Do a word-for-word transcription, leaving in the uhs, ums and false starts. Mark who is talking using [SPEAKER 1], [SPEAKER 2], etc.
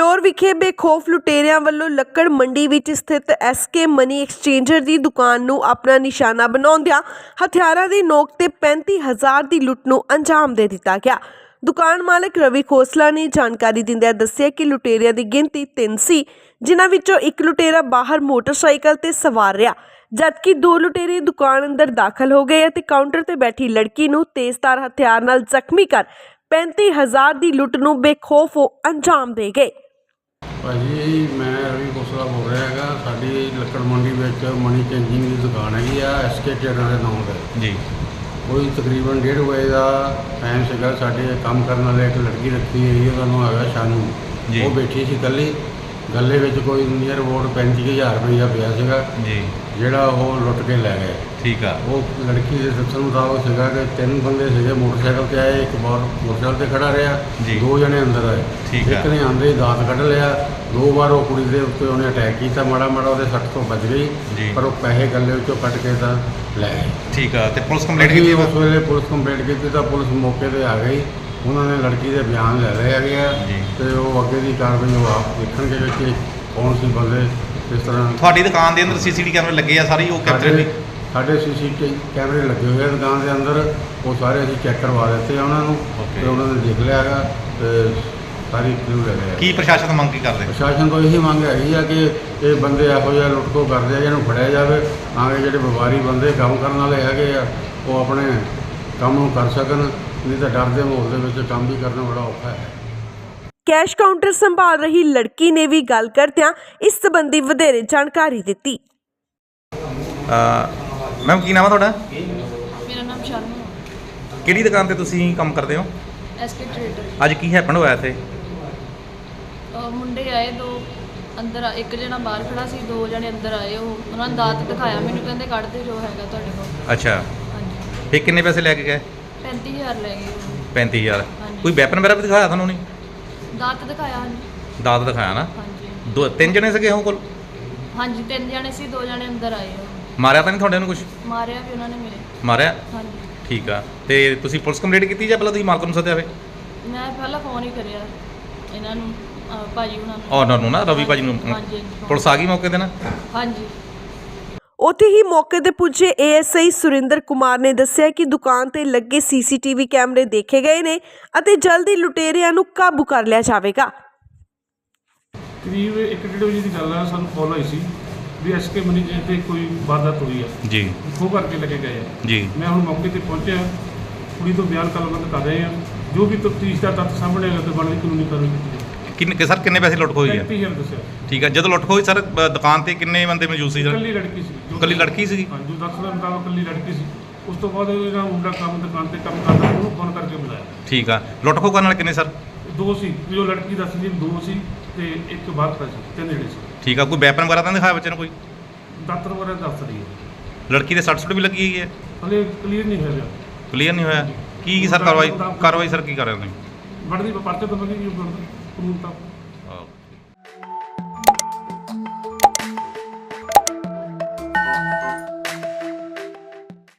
[SPEAKER 1] Floor ਵਿਖੇ ਬੇਖੌਫ ਲੁਟੇਰਿਆਂ ਵੱਲੋਂ ਲੱਕੜ ਮੰਡੀ ਵਿੱਚ ਸਥਿਤ ਐਸਕੇ ਮਨੀ ਐਕਸਚੇਂਜਰ ਦੀ ਦੁਕਾਨ ਨੂੰ ਆਪਣਾ ਨਿਸ਼ਾਨਾ ਬਣਾਉਂਦਿਆਂ ਹਥਿਆਰਾਂ ਦੀ ਨੋਕ ਤੇ ਪੈਂਤੀ ਹਜ਼ਾਰ ਦੀ ਲੁੱਟ ਨੂੰ ਅੰਜਾਮ ਦੇ ਦਿੱਤਾ ਗਿਆ। ਦੁਕਾਨ ਮਾਲਕ ਰਵੀ ਖੋਸਲਾ ਨੇ ਜਾਣਕਾਰੀ ਦਿੰਦਿਆਂ ਦੱਸਿਆ ਕਿ ਲੁਟੇਰਿਆਂ ਦੀ ਗਿਣਤੀ ਤਿੰਨ ਸੀ, ਜਿਨ੍ਹਾਂ ਵਿੱਚੋਂ ਇੱਕ ਲੁਟੇਰਾ ਬਾਹਰ ਮੋਟਰਸਾਈਕਲ ਤੇ ਸਵਾਰ ਰਿਹਾ, ਜਦਕਿ ਦੋ ਲੁਟੇਰੇ ਦੁਕਾਨ ਅੰਦਰ ਦਾਖਲ ਹੋ ਗਏ ਅਤੇ ਕਾਊਂਟਰ ਤੇ ਬੈਠੀ ਲੜਕੀ ਨੂੰ ਤੇਜ਼ਧਾਰ ਹਥਿਆਰ ਨਾਲ ਜ਼ਖਮੀ ਕਰ पैंती हज़ार की लुट ਨੂੰ बेखौफ अंजाम दे गए।
[SPEAKER 2] भाजी मैं रवि खोसला बोल रहा है, साड़ी लक्कड़ मंडी में मनी चेंजिंग की दुकान हैगी आ एस के ट्रेडर के नाम से जी। कोई तकरीबन डेढ़ बजे का टाइम से साढ़े काम करने वाले एक लड़की रखी हुई है, उन्होंने है शानू वो बैठी सी कली गले में कोई नियर अबाउट पैंती हज़ार रुपया पिया सीगा जी, ਜਿਹੜਾ ਉਹ ਲੁੱਟ ਕੇ ਲੈ ਗਏ। ਠੀਕ ਆ। ਉਹ ਲੜਕੀ ਦੇ ਦੱਸਣ ਮੁਤਾਬਕ ਸੀਗਾ ਕਿ ਤਿੰਨ ਬੰਦੇ ਸੀਗੇ ਮੋਟਰਸਾਈਕਲ ਤੇ ਆਏ, ਇੱਕ ਬਾਹਰ ਮੋਟਰਸਾਈਕਲ ਤੇ ਖੜਾ ਰਿਹਾ, ਦੋ ਜਣੇ ਅੰਦਰ ਆਏ। ਠੀਕ ਆ। ਇੱਕ ਨੇ ਆਂਦੇ ਹੀ ਦਾਤ ਕੱਢ ਲਿਆ, ਦੋ ਵਾਰ ਉਹ ਕੁੜੀ ਦੇ ਉੱਤੇ ਉਹਨੇ ਅਟੈਕ ਕੀਤਾ, ਮਾੜਾ ਮਾੜਾ ਉਹਦੇ ਸੱਟ ਤੋਂ ਬਚ ਗਈ, ਪਰ ਉਹ ਪੈਸੇ ਗੱਲੇ ਵਿੱਚੋਂ ਕੱਢ ਕੇ ਤਾਂ ਲੈ ਗਏ। ਠੀਕ ਆ। ਤੇ ਪੁਲਿਸ ਕੰਪਲੇਂਟ ਕੀਤੀ? ਉਸ ਵੇਲੇ ਪੁਲਿਸ ਕੰਪਲੇਂਟ ਕੀਤੀ ਤਾਂ ਪੁਲਿਸ ਮੌਕੇ ਤੇ ਆ ਗਈ, ਉਹਨਾਂ ਨੇ ਲੜਕੀ ਦੇ ਬਿਆਨ ਲੈ ਲਏ ਹੈਗੇ ਆ ਤੇ ਉਹ ਅੱਗੇ ਦੀ ਕਾਰਵਾਈ ਉਹ ਆਪ ਦੇਖਣਗੇ ਕਿ ਕੌਣ ਸੀ ਬੰਦੇ। ਇਸ ਤਰ੍ਹਾਂ
[SPEAKER 3] ਤੁਹਾਡੀ ਦੁਕਾਨ ਦੇ ਅੰਦਰ ਸੀਸੀਟੀਵੀ ਕੈਮਰੇ ਲੱਗੇ ਆ, ਸਾਰੀ ਉਹ ਕੈਮਰੇ ਵੀ
[SPEAKER 2] ਸਾਡੇ ਸੀਸੀਟੀਵੀ ਕੈਮਰੇ ਲੱਗੇ ਹੋਏ ਆ ਦੁਕਾਨ ਦੇ ਅੰਦਰ, ਉਹ ਸਾਰੇ ਅਸੀਂ ਚੈੱਕ ਕਰਵਾ ਦਿੱਤੇ ਆ ਉਹਨਾਂ ਨੂੰ ਤੇ ਉਹਨਾਂ ਨੇ ਦੇਖ ਲਿਆ ਹੈਗਾ ਤੇ ਸਾਰੀ ਕਲੂ ਲੈ ਲਿਆ।
[SPEAKER 3] ਕੀ ਪ੍ਰਸ਼ਾਸਨ ਤੋਂ ਮੰਗ ਕੀ ਕਰਦੇ?
[SPEAKER 2] ਪ੍ਰਸ਼ਾਸਨ ਤੋਂ ਇਹੀ ਮੰਗ ਹੈਗੀ ਆ ਕਿ ਇਹ ਬੰਦੇ ਇਹੋ ਜਿਹਾ ਲੁੱਟਖੋ ਕਰਦੇ ਆ, ਜਿਹਨੂੰ ਫੜਿਆ ਜਾਵੇ ਤਾਂ ਕਿ ਜਿਹੜੇ ਵਪਾਰੀ ਬੰਦੇ ਕੰਮ ਕਰਨ ਵਾਲੇ ਹੈਗੇ ਆ ਉਹ ਆਪਣੇ ਕੰਮ ਨੂੰ ਕਰ ਸਕਣ, ਨਹੀਂ ਤਾਂ ਡਰ ਦੇ ਮਾਹੌਲ ਦੇ ਵਿੱਚ ਕੰਮ ਵੀ ਕਰਨਾ ਬੜਾ ਔਖਾ ਹੈ।
[SPEAKER 1] कैश काउंटर संभाल रही लड़की ने भी गल करदियां इस संबंधी वधेरे जानकारी दित्ती।
[SPEAKER 3] मैम की नाम है तुहाडा?
[SPEAKER 4] मेरा नाम शानू है।
[SPEAKER 3] किहड़ी दुकान ते तुसीं काम करदे हो?
[SPEAKER 4] SK trader.
[SPEAKER 3] अज की हैपन होया इत्थे?
[SPEAKER 4] मुंडे आए दो अंदर, एक जना बाहर खड़ा सी, दो जने अंदर आए, उन्होंने दात दिखाया मैनूं, कहंदे कढ दे जो हैगा तुहाडे कोल।
[SPEAKER 3] अच्छा।
[SPEAKER 4] हाँ जी।
[SPEAKER 3] फिर किन्ने पैसे लैके गए?
[SPEAKER 4] पैंती हज़ार लै गए।
[SPEAKER 3] पैंती हज़ार। कोई वैपन वगैरह भी दिखाया तुहानूं? नहीं,
[SPEAKER 4] दात दिखाया। हाँ जी।
[SPEAKER 3] दात दिखाया ना?
[SPEAKER 4] हाँ जी।
[SPEAKER 3] दो तीन जने सके हो कोल?
[SPEAKER 4] हाँ जी, तीन जने सी, दो जने अंदर आए।
[SPEAKER 3] मारिया तो नहीं थोड़े नूं कुछ?
[SPEAKER 4] मारिया भी उन्होंने मेरे।
[SPEAKER 3] मारिया?
[SPEAKER 4] हाँ जी।
[SPEAKER 3] ठीक है। तो तुसीं पुलिस कंप्लेंट की या पहले तुसीं मालक नूं सद्दिया वे?
[SPEAKER 4] मैं पहला फोन ही करिया इन्हां नूं, भाजी हुणां नूं।
[SPEAKER 3] ऑनर नूं ना, रवि भाजी नूं।
[SPEAKER 4] हाँ जी।
[SPEAKER 3] पुलिस आ गई मौके ते ना?
[SPEAKER 4] हाँ जी।
[SPEAKER 1] ਉੱਥੇ ਹੀ ਮੌਕੇ ਤੇ ਪੁੱਜੇ ਏਐਸਆਈ ਸੁਰਿੰਦਰ ਕੁਮਾਰ ਨੇ ਦੱਸਿਆ ਕਿ ਦੁਕਾਨ ਤੇ ਲੱਗੇ ਸੀਸੀਟੀਵੀ ਕੈਮਰੇ ਦੇਖੇ ਗਏ ਨੇ ਅਤੇ ਜਲਦੀ ਲੁਟੇਰਿਆਂ ਨੂੰ ਕਾਬੂ ਕਰ ਲਿਆ ਜਾਵੇਗਾ।
[SPEAKER 5] ਕਰੀਬ ਇੱਕ ਡੇਢ ਵਜੇ ਦੀ ਗੱਲ ਆ, ਸਾਨੂੰ ਕਾਲ ਆਈ ਸੀ ਵੀ ਐਸਕੇ ਮਨੀ ਤੇ ਕੋਈ ਵਾਰਦਾਤ ਹੋਈ ਆ ਜੀ, ਖੋਹ ਕਰਕੇ ਲੈ ਕੇ ਗਏ ਆ ਜੀ। ਮੈਂ ਹੁਣ ਮੌਕੇ ਤੇ ਪਹੁੰਚਿਆ, ਕੁੜੀ ਤੋਂ ਬਿਆਨ ਕਲਮਬੰਦ ਕਰ ਰਹੇ ਆ, ਜੋ ਵੀ ਤਫਤੀਸ਼ ਦਾ ਤੱਥ ਸਾਹਮਣੇ ਆਏਗਾ ਤੇ ਬਣਦੀ ਕਾਨੂੰਨੀ ਕਾਰਵਾਈ ਕੀਤੀ ਜਾਵੇਗੀ।
[SPEAKER 3] ਕਿੰਨੇ ਸਰ ਕਿੰਨੇ ਪੈਸੇ ਲੁੱਟ ਹੋਈ ਹੈ?
[SPEAKER 5] ਪੈਂਤੀ ਹਜ਼ਾਰ ਦੱਸਿਆ।
[SPEAKER 3] ਠੀਕ ਹੈ। ਜਦੋਂ ਲੁੱਟ ਹੋਈ ਸਰ ਦੁਕਾਨ ਤੇ ਕਿੰਨੇ ਬੰਦੇ ਮੌਜੂਦ ਸੀ?
[SPEAKER 5] ਇਕੱਲੀ ਲੜਕੀ ਸੀ।
[SPEAKER 3] ਇਕੱਲੀ ਲੜਕੀ ਸੀ?
[SPEAKER 5] ਹਾਂ, ਜੋ ਦੱਸਦਾ ਮੁਤਾਬਕ ਇਕੱਲੀ ਲੜਕੀ ਸੀ। ਉਸ ਤੋਂ ਬਾਅਦ ਇਹਦਾ ਮੁੰਡਾ ਕੰਮ ਦੁਕਾਨ ਤੇ ਕੰਮ ਕਰਦਾ, ਉਹਨੂੰ ਫੋਨ ਕਰਕੇ ਬੁਲਾਇਆ। ਠੀਕ
[SPEAKER 3] ਆ। ਲੁੱਟ ਖੋਹ ਕਰਨ ਵਾਲੇ ਕਿੰਨੇ ਸਰ?
[SPEAKER 5] ਦੋ ਸੀ, ਜੋ ਲੜਕੀ ਦੱਸਦੀ ਦੋ ਸੀ ਤੇ ਇੱਕ ਬਾਹਰ ਖੜਾ ਸੀ, ਤਿੰਨ ਜਿਹੜੇ ਸੀ।
[SPEAKER 3] ਠੀਕ ਆ। ਕੋਈ ਵੈਪਨ ਵਗੈਰਾ ਤਾਂ ਦਿਖਾਇਆ ਬੱਚੇ ਨੂੰ? ਕੋਈ
[SPEAKER 5] ਦਾਤਰ ਵਗੈਰਾ ਦੱਸ ਰਹੀ ਹੈ।
[SPEAKER 3] ਲੜਕੀ ਦੇ ਸੱਟ ਸੁੱਟ ਵੀ ਲੱਗੀ ਹੋਈ ਹੈ?
[SPEAKER 5] ਹਲੇ ਕਲੀਅਰ ਨਹੀਂ ਹੋਇਆ।
[SPEAKER 3] ਕਲੀਅਰ ਨਹੀਂ ਹੋਇਆ? ਕੀ ਸਰ ਕਾਰਵਾਈ ਕਾਰਵਾਈ ਸਰ ਕੀ ਕਰ ਰਹੇ ਹੋ ਤੁਸੀਂ?
[SPEAKER 5] ਬਣਦੀ ਪਰਚੇ ਤੋਂ ਬਣੀ ਕਾਨੂੰਨ ਤਾਂ